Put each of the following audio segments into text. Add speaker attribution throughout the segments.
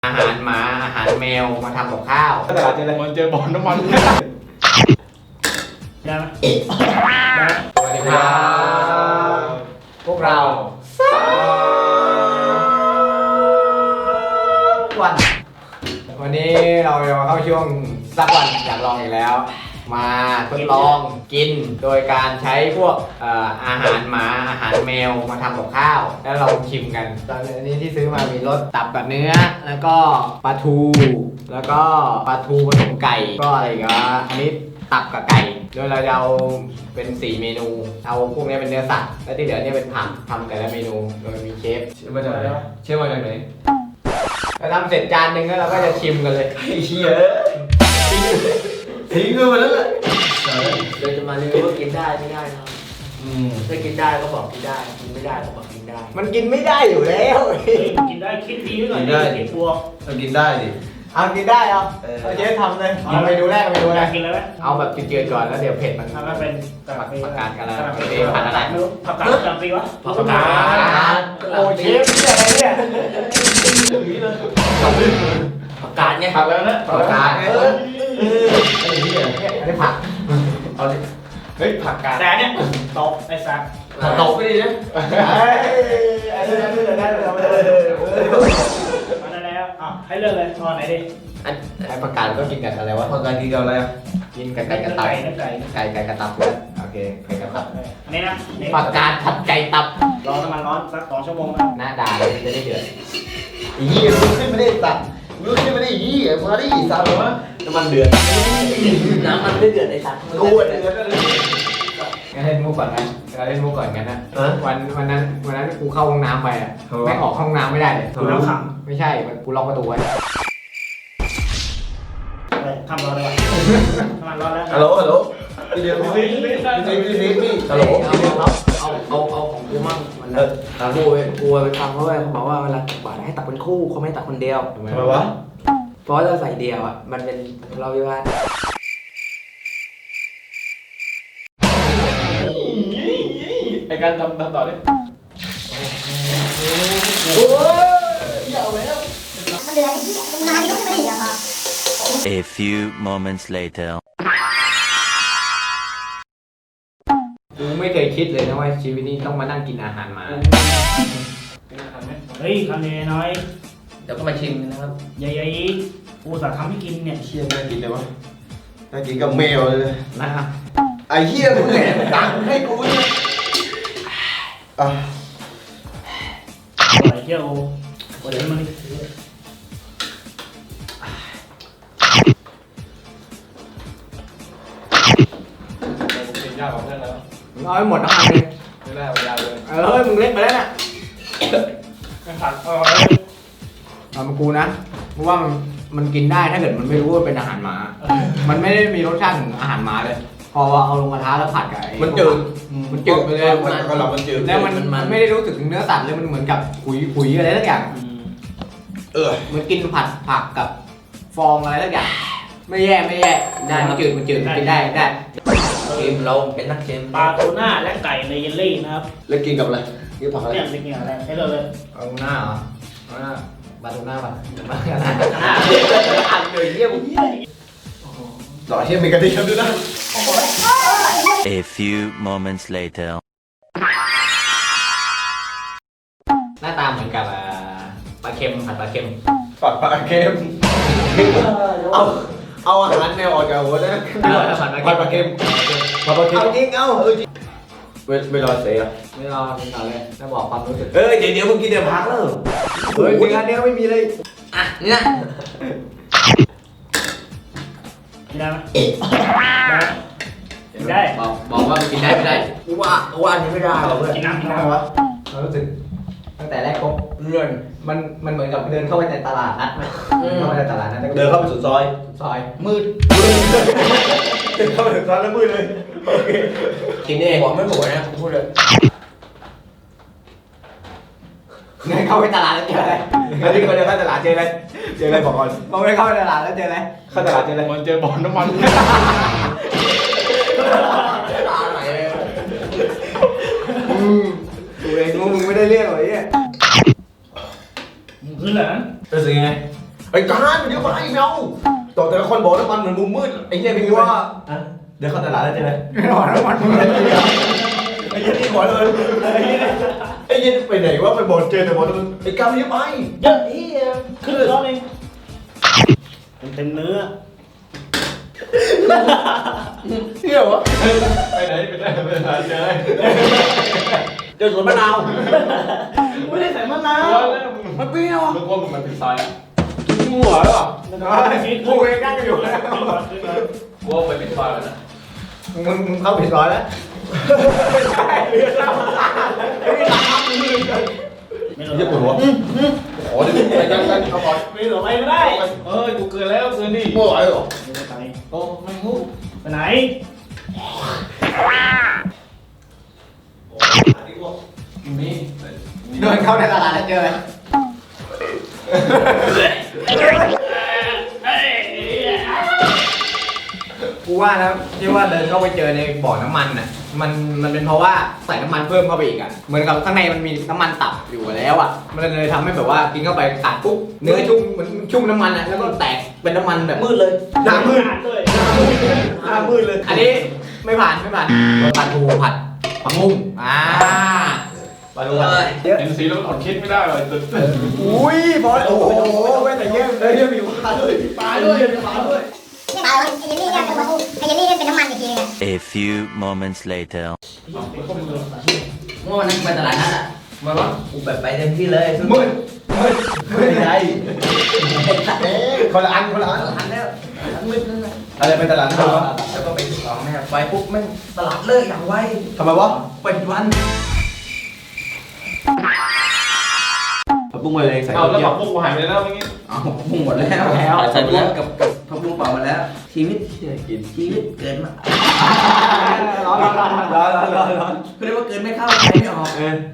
Speaker 1: อาหารหมาอาหารแมวมาทำกับข้าวตลาดเจออะไร
Speaker 2: มันเจอบ่อน้ำมัน
Speaker 3: ได้ไหม
Speaker 1: สวัสดีครับพวกเราวันนี้เราจะมาเข้าช่วงสักวันอยากลองอีกแล้ว มาทดลองกินโดยการใช้พวกอาหารหมาอาหารแมวมาทำกับข้าว แล้วเราชิมกันตอนนี้ที่ซื้อมามีรสตับกับเนื้อแล้วก็ปลาทูแล้วก็ปลาทูผสมไก่ก็อะไรอีกันอันนี้ตับกับไก่โดยเราจะเอาเป็น4เมนูเอาพวกนี้เป็นเนื้อสัตว์แล้วที่เหลือเนี่ยเป็นผักทำแต่ละเมนูโดยมีเชฟมาจากไหนเชฟมาจากไหนเราทำเสร็จจานหนึ่งแล้วเราก็จะชิมกันเลยไอ้เหี้ยทิ้งกันมาแล้วแหละเราจะมารีวิวว่ากินได้ไม่ได้นะถ้ากินได้ก็บอกกินได้กินไม่ได้ก็บอกกินได้มันกินไม่ได้อยู่แล้ว
Speaker 3: กินได้คิดดีไว้ก่อนกินบวก
Speaker 2: กินได้ดิ
Speaker 1: เอากินได้เอาเชฟทำเลยเอาไปดูแรกไปดูอะไร
Speaker 3: กินเลยไหม
Speaker 1: เอาแบบจืดๆก่อนแล้วเดี๋ยวเผ็ดมัน
Speaker 3: ทำให้เป็น
Speaker 1: ผักกาดกันแล้วผัดอะไร
Speaker 3: ผักกาดจำปีวะ
Speaker 1: ผักกาดโอ้เชฟเนี่ยอะไรเนี่ยผักกาดไง
Speaker 2: ผักแล้วนะ
Speaker 1: ผักกาดอันนี้ผักเอาเลย
Speaker 2: เฮ้ยผักกาด
Speaker 3: แต่เนี่ยตบไอ้สัก
Speaker 1: ตกไปดิเนี่ยอันนี้ได้
Speaker 3: มาได้แล้วให้เลือกเลยตอนไหนดิ
Speaker 1: ไอ้ผักกาดก็กินกันอะไรวะ
Speaker 2: ผักกาดกินกับอะไร
Speaker 1: กินกับไก่กระตับไก่กระตับเลยโอเคไก่กระตับ
Speaker 3: อันนี้นะ
Speaker 1: ผักกาดผัดไก่ตับ
Speaker 3: รอน้ำมันร้อนสัก2 ชั่วโมง
Speaker 1: หน้าด่าเลยจะได้เดือด
Speaker 2: ยี่ลุกขึ้นไม่ได้ตัดลุกขึ้นไม่ได้ยี่มาดิสาววะ
Speaker 1: น้ำมันเดือดน้ำมันไม่เดือดไอ้สัตว์
Speaker 2: กูเดือดเลย
Speaker 1: งั้นเล่นมุกก่อนนะเราเล่นมุกก่อนกันนะวันนั้นกูเข้าห้องน้ำไปอ่ะไม่ออกห้องน้ำไม่ได้เลย
Speaker 3: กูแล้วขัง
Speaker 1: ไม่ใช่กูล็อกประตูไว้
Speaker 3: ทำรอเลยน้ำมันร้อนแล้ว
Speaker 2: ฮัลโหลพี่เดียวพี่ฮัลโหล
Speaker 4: เอาของกูมั่งมันนะกูไปฟังเขาบอกว่าเวลาตักบาตรให้ตักเป็นคู่เขาไม่ตักคนเดียว
Speaker 2: ทำไมวะ
Speaker 4: เพราะถ้าใส่เดียวอ่ะมันเป็นเราวิวาท
Speaker 2: ไอการทำต่อดิ
Speaker 1: โอ้ยเอาแล้ว
Speaker 5: มันเดือดนานก็ไม่ได้อะค่ะ
Speaker 6: A few moments later
Speaker 1: กูไม่เคยคิดเลยนะว่าชีวิตนี้ต้องมานั่งกินอาหารหมา
Speaker 3: เฮ้ยคำนี้น้อย
Speaker 4: เดี๋ยวก็มาชิมนะครับ
Speaker 3: ใหญ่ๆกูสั่งทำให้กินเนี่ย
Speaker 2: เชี่ยน่ากินเลยวะน่ากินกับแมวเลย
Speaker 1: นะครับ
Speaker 2: ไอ้เหี้ยมึงแหละตังให้กูเนี่ย
Speaker 3: อร่อยเที่ยวโอ้ยมัน
Speaker 2: ยากกว่าเพื่อนแล้ว
Speaker 1: เอาให้หมดทั้งอันเลย
Speaker 2: ไม่ได้ยาวเลย
Speaker 1: เฮ้ยมึงเล่นไปแล้วน่ะ
Speaker 3: ไม่ขาด
Speaker 1: เอามากูนะเพราะว่ามันกินได้ถ้าเกิดมันไม่รู้ว่าเป็นอาหารหมามันไม่ได้มีรสชาติของอาหารหมาเลยพอเอาลงกระทะแล้วผัดกับ
Speaker 2: มันจืด
Speaker 1: ไปเลย
Speaker 2: มันจืด
Speaker 1: แล้วมันไม่ได้รู้สึกถึงเนื้อสัตว์เลยมันเหมือนกับขุยอะไรสักอย่างเหมือนกินผัดผักกับฟองอะไรสักอย่างไม่แย่ได้มันจืดกินได้
Speaker 4: เค็มเราเป็นนักเค็ม
Speaker 3: ปลาทูน่าและไก่ในเยลลี่นะครับ
Speaker 2: แล้วกินกับอะไรกินผักอะไร
Speaker 3: เนี่ยกินอะไรให้เลย
Speaker 1: ปลาทูน่าเหรอปลาทูน่า
Speaker 3: อ่านเลยเยี่ยม
Speaker 2: หล่อเชี่ยมีกระดิ่งด้วยนะ
Speaker 6: A few moments later
Speaker 1: หน้าตาเหมือนกับปลาเค็มผัดปลาเค็ม
Speaker 2: เค็มเอาอาหารแมวออกจากหัวนะผัดปลาเค็มเอาจริงไม่รอเสีย
Speaker 1: ไม่รอกินก่อนเลยจะบอกความรู้สึก
Speaker 2: เดี๋ยวมึงกินเดี๋ยวพักแล้ว
Speaker 1: เฮ้ยงานนี้ไม่มีเลย
Speaker 4: นี่นะ
Speaker 3: ได้ไหมได้
Speaker 1: บอกว่ากินได้ไม่ได้
Speaker 4: กูว่าอันนี้ไม่ได้หรอกเพื่อน
Speaker 3: กินน้
Speaker 1: วะเรารู้สึกตั้งแต่แรกเลื่อนมันเหมือนกับเดินเข้าไปในตลาดนัดไหมเข้าไปในตลาดนัด
Speaker 2: เดินเข้าไปสุดซอย
Speaker 1: มืด
Speaker 2: เดินเข้าไปสุดซอยแล้วมืดเลยโอเค
Speaker 4: กินเองบอกไม่หมดนะพูดเลย
Speaker 1: เดินเข้าไปตลาดแล้วเจออะไร
Speaker 2: แล้วที่เขาเดินเข้าตลาดเจออะไรบอกก่อน
Speaker 1: มองไปเข้าไปตลาดแล้วเจออะไร
Speaker 2: เข้าตลาดเจออะไร
Speaker 1: มันเจอบ่อน้ำมัน
Speaker 4: ตาไหนเลย
Speaker 1: ดูเองมึงไม่ได้เรียกหรอเนี่ย
Speaker 3: มึงขึ้นเหรอ
Speaker 2: รู้สึกยังไงไอ้จานมันเยอะไปไม่เอาต่อแต่ละคนบอกน้ำมันเหมือนมุมมืดไอ้เหี้ยไม่รู้ว่าเดี๋ยวเข้าตลาดแล้วใช่ไหม
Speaker 1: ไม่รอแล้วมัน
Speaker 2: ไอ้เหี้ยนี่บอกเลยไอ้เหี้ยไปไหนวะไปบอกเจอแต่บอกน้ำมันไอ้กำเยอะไป
Speaker 3: เยอะอีขึ้นร้อนเองเต็มเนื้อ
Speaker 2: เที่ยววะ
Speaker 1: ไปไหนเจอ
Speaker 2: เจอสวนมะนาว
Speaker 3: ไม่ได้ใส่มะนาว
Speaker 2: มันเปรี้ยว
Speaker 1: มึงว่ามึงมันผิดซอยอ่ะ
Speaker 2: หัวหรอ
Speaker 1: กูเองนั่งอยู่แล้วกูว่าไปผิดซอยแล้วนะมึงเข้าผิดซอยแล้วไม่ใช่เรื่องเล่าไม่ได้ทำมึงเลย
Speaker 3: ไม่รู้
Speaker 2: เยี่ยปวดหัวอ๋อเดี๋ยวไปกันเอาก่อน
Speaker 3: ไม่รู้ไม่ได้
Speaker 1: เอ้ยกูเกินแล้วเกินดิ
Speaker 2: ไม่ไหวหรอ
Speaker 3: ไป
Speaker 1: โอ้ไม่งู
Speaker 3: ไปไหน
Speaker 1: นี่เดินเข้าในตลาดแล้วเจออะไรกูว่านะที่ว่าเดินเข้าไปเจอในบ่อน้ำมันน่ะมันเป็นเพราะว่าใส่น้ำมันเพิ่มเข้าไปอีกอ่ะเหมือนกับข้างในมันมีน้ำมันตับอยู่แล้วอ่ะมันเลยทำให้แบบว่ากินเข้าไปตัดปุ๊บเนื้อชุ่มเหมือนชุ่มน้ำมันอ่ะแล้วก็แตกเป็นน้ำมันแบบมืดเลยหน้ามืด
Speaker 3: ด้วย
Speaker 2: หน้ามืดเลย
Speaker 1: อันนี้ไม่ผ่านผัดทูผัดผักบุ้งปลาทูผัดเยอะ
Speaker 7: เห็นสีแล้วมันอดคิดไม่ได้เลยตึ๊ด
Speaker 1: อุ้ยพอโอ้โหแม่แต่เงี้ยเลยมีปลาด้วยปลาด้วยปลาด้วย
Speaker 5: นี่มาไอ้เยลลี่เนี่ยเป็นไอ้เยลลี่เนี่ยเป็นน้ำมันอีกทีนึง
Speaker 6: A few moments later.
Speaker 4: เมื่อวันนั้นไปตลาดนัดอ่ะมาว่ากูแบบไปเต็มที่เลย
Speaker 1: มืด
Speaker 2: ไม่ใช่คนละอันคนละอัน
Speaker 4: ทันแล้วทันมืดนั่นแหละ
Speaker 2: อะไรเป็นตลาดนัดวะ
Speaker 4: แล้วก็ไปถึงของแม่ไปปุ๊บแม่งตลาดเลิกอย่างไว
Speaker 2: ทำไมวะ
Speaker 4: เป็นวัน
Speaker 2: ผักบุ้งมาเลยใส่
Speaker 7: เอาแล้วผักบุ้งกูหายไปแล้วเมื่อกี้
Speaker 4: เอาพุ่งหมดแล้วใส่ไปแล้วกับพักบุ้งเปล่ามาแล้ว ชีวิตชีวิตเกินมา
Speaker 1: ร้อน
Speaker 4: คือเรียกว่าเกินไม่เข้าใครไม่ออก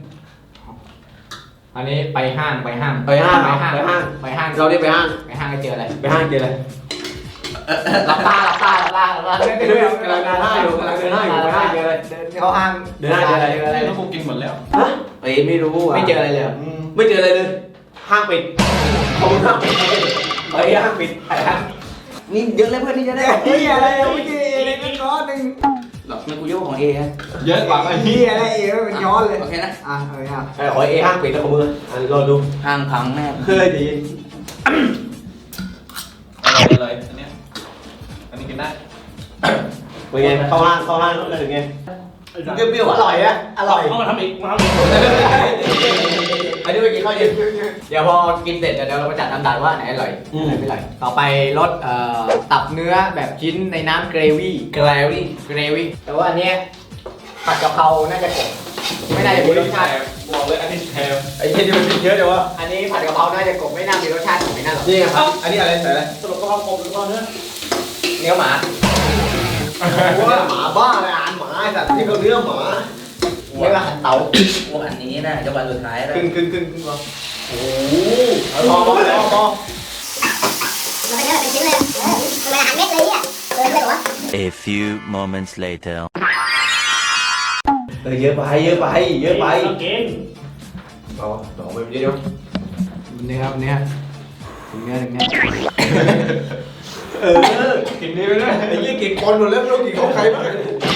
Speaker 1: อันนี้ไปห้าง
Speaker 2: ไปห้างเราได้ไปห้าง
Speaker 1: ไปห้างก็เจออะไร
Speaker 2: ไปห้างเจออะไร
Speaker 1: หลับตา
Speaker 2: ก
Speaker 1: ก
Speaker 2: ำลังเดินห้างอยู่ไปห้างเจออะไร
Speaker 1: เดินเข้าห้าง
Speaker 2: เดินห้างเจออะไร
Speaker 7: แล้วกูกินหมดแล้ว
Speaker 2: เอ้ยไม่รู้อ่ะ
Speaker 1: ไม่เจออะไรเลย
Speaker 2: ไม่เจออะไรเลย ห้างปิดเขาห้างปิดไอ้ห้างปิดไอ้ห้าง
Speaker 4: นี่เยอะเลยเพื่อนที่จะได้
Speaker 1: เฮียอะไรเมื่อกี้อะไรกันย้อนหนึ่ง
Speaker 4: หรอกมันกูยกของเอฮะ
Speaker 7: เยอะกว่าไอ้
Speaker 1: เฮียอะไรมันย้อนเลย
Speaker 4: โอเคนะ
Speaker 2: ไอ้ขอเอห้างปิดแล้วขอมือรอดู
Speaker 4: ห้างพังแน่
Speaker 2: เคยดี
Speaker 7: อะไรอันเนี้ยอันนี้กินได้
Speaker 2: เป็นไงเข้าห้างแล้วเป็นไงเปรี้ยวๆอร่อยอะอร่อย
Speaker 3: เอามาทำอีกมาทำอีก
Speaker 2: อันนี้ไปกินข้าวเย็น
Speaker 1: เดี๋ยวพอกินเสร็จเดี๋ยวเรามาจัดอันดับว่าไหนอร่อยไหนไม่อร่อยต่อไปรสตับเนื้อแบบชิ้นในน้ำเกรวี่แต่ว่าอันเนี้ยผัดกะเพราน่าจะกบไม่น่าจะมีรสชาติ
Speaker 7: บอกเลยอันนี้แถม
Speaker 2: ไอ้เย็นนี่มันเยอะเดี๋ยววะ
Speaker 1: อันนี้ผัดกะเพราน่าจะกบไม่น่ามีรสชาติของไม่น่าหรอก
Speaker 2: นี่ครับ อันนี้อะไรใส่อะไร
Speaker 3: สรุปก็เอากบหรือเอาเนื้อ
Speaker 1: เนื้อหมา
Speaker 2: ว่าหมาบ้าเลยอ่านหมาไอ้สัตว์นี่เขาเนื้อหมา
Speaker 1: เรียกว่าหันเตา
Speaker 4: พวกอันนี้นะจะวันสุดท้ายแล้ว
Speaker 1: ครึ่งพอ
Speaker 2: โอ้พอ
Speaker 5: มันเป็นเนื้อแบบเป็นชิ้นเลยมันอาหารเม็ดเลยเนี่ยเลยเหรอ
Speaker 6: A few moments later.
Speaker 2: เยอะไปเยอะไปเยอะไป
Speaker 3: ต้องกิน
Speaker 2: เอาดอกไปเยอะ
Speaker 1: เนื้อถึงเนื้อ
Speaker 2: เออ
Speaker 7: กินดีไปด้วย
Speaker 2: ไอ้ยี่กินคนหมดแล้วไม่รู้กินของใครบ้าง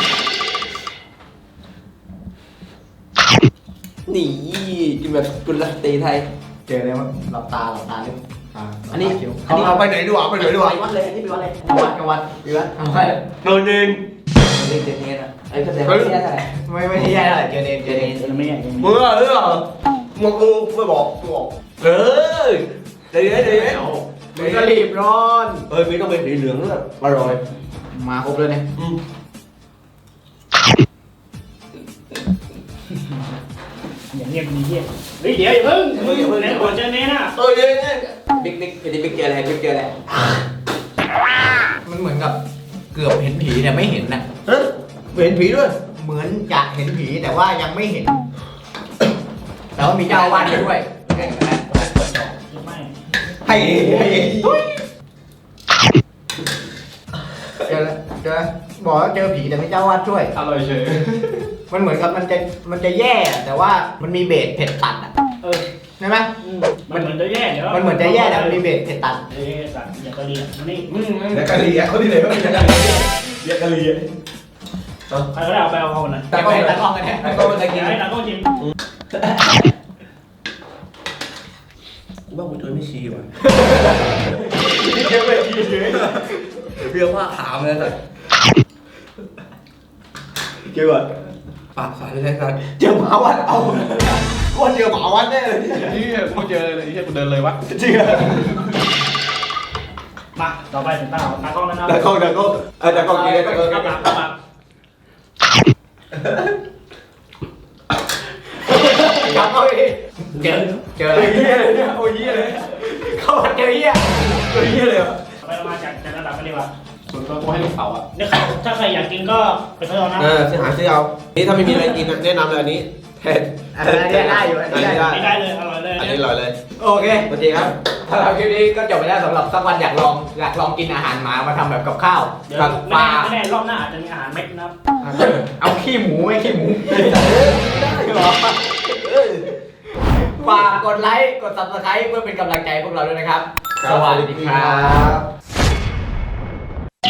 Speaker 4: นี่กินแบบกุลตีไทย
Speaker 1: เจออะไรมั้งหลับตาลึก
Speaker 4: อันนี้
Speaker 2: เอาไปไหนดีกว่าไปไหนดีกว่า
Speaker 4: ไปวัดเลยอันนี้ไปวัดเลย
Speaker 1: กวัดทำไม
Speaker 2: โดนยิง
Speaker 4: เล่นเจเนสอ่ะไอ้ก็แต่ไม่ใช่อะไร
Speaker 1: ไม่ใช่อะไรเจอเนม
Speaker 3: ไม่ใหญ่
Speaker 2: มึงอะมึงกูไม่บอกกูบอกเออเดี๋ยว
Speaker 1: มึงก็รีบร้อน
Speaker 2: มีต้องเป็นสีเหลืองด้วยอร่อย
Speaker 1: มาครบเลยเนี่ย
Speaker 3: อย่างเงียบดีเงียบเฮ้ยเดี๋ยวอย่าเพิ่งมึงไหนก่อนจะเน้นอ่ะ
Speaker 2: เนี่ย
Speaker 4: บิ๊กเจออะไรบิ๊กเจออะไร
Speaker 1: มันเหมือนกับเกือบเห็นผีแต่ไม่เห็นน่ะ
Speaker 2: ฮะเห็นผีด้วย
Speaker 1: เหมือนจะเห็นผีแต่ว่ายังไม่เห็น แต่ว่ามีเจ้าอาวาสด้วย
Speaker 3: ไม่
Speaker 2: ให้
Speaker 1: เจอบอกว่าเจอผีแต่ไม่เจ้าอาวาสช่วย
Speaker 7: อร่อยเฉย
Speaker 1: มันเหมือนกับมันจะแย่แต่ว่ามันมีเบสเผ็ดตัดอ่ะ
Speaker 3: เออ
Speaker 1: ใช่ไหม
Speaker 3: มันเหมือนจะแย่เดี๋ยว
Speaker 1: มันเหมือนจะแย่แต่มันมีเบรกเผ็ดตัน
Speaker 3: เอ้ยสัตว์อย่างกะหรี่มันนี่
Speaker 2: เดี๋ยวกะหรี่อ่ะเขาที่ไหนก็มีกะหรี่เรียกกะหรี่อ่ะ
Speaker 3: ใครก็ได้เอาไปเอาเขาหน่อย
Speaker 1: แต่ก็เห็นตากล้องกันแน่
Speaker 2: ไอ้ก็มันจะกิน
Speaker 3: ให้ตาก็จิ้ม
Speaker 4: กูว่ากูเจอไม่ชีว่ะ
Speaker 2: เยอะไปกินเยอะ
Speaker 4: เรื่องว่าขาวเลยสัตว์
Speaker 2: เกี่ยวกับ
Speaker 4: ปากสายเลยสัตว์
Speaker 1: เจอหมาวัดเอาว่าเจอหมาวัดแน่เลย
Speaker 7: นี่กูเจอเลยที่กูเดินเลยวะ
Speaker 2: จริงอ่ะ
Speaker 3: มาต่อไปถึงตากล้องแล้วนะ
Speaker 2: แต่กล้องกินแต่กล้องกิน
Speaker 3: กลับมา
Speaker 1: กลับเข้าไปดิเจออะไร
Speaker 2: เฮียเลยเนี่ยโอ้ยเฮียเลย
Speaker 1: เข้ามาเจอเหี้ย
Speaker 2: เฮียเลยอ่ะ
Speaker 3: ไปเรามาจากระดับกันดีกว่า
Speaker 7: ส่วนตัวกูให้ลูกเขาอ่ะ
Speaker 3: เนี่ยถ้าใครอยากกินก็ไปซื้อเอานะ
Speaker 4: ซื้อหาซื้อเอานี่ถ้าไม่มีอะไรกินแนะนำเลยอันนี้แทน
Speaker 1: อันนี้ได้อยู่อันนี้ได้
Speaker 3: ไม่ได้เลยอร่อยเลย
Speaker 4: อันนี้อร่อยเลย
Speaker 1: โอเค
Speaker 4: โอเคครับ
Speaker 1: สำหรับคลิปนี้ก็จบไปแล้วสำหรับสักวันอยากลองกินอาหารหมามาทำแบบกับข้าว
Speaker 3: เดี๋ยว
Speaker 1: กับปลา
Speaker 3: ไม่แน่รอบหน้าอาจจะมีอาหารเม็ดนะครับ
Speaker 1: เอาขี้หมูไม่ขี้หมูได้หรอฝากกดไลค์กด subscribe เพื่อเป็นกำลังใจให้พวกเราด้วยนะครับ สวัสดีครับ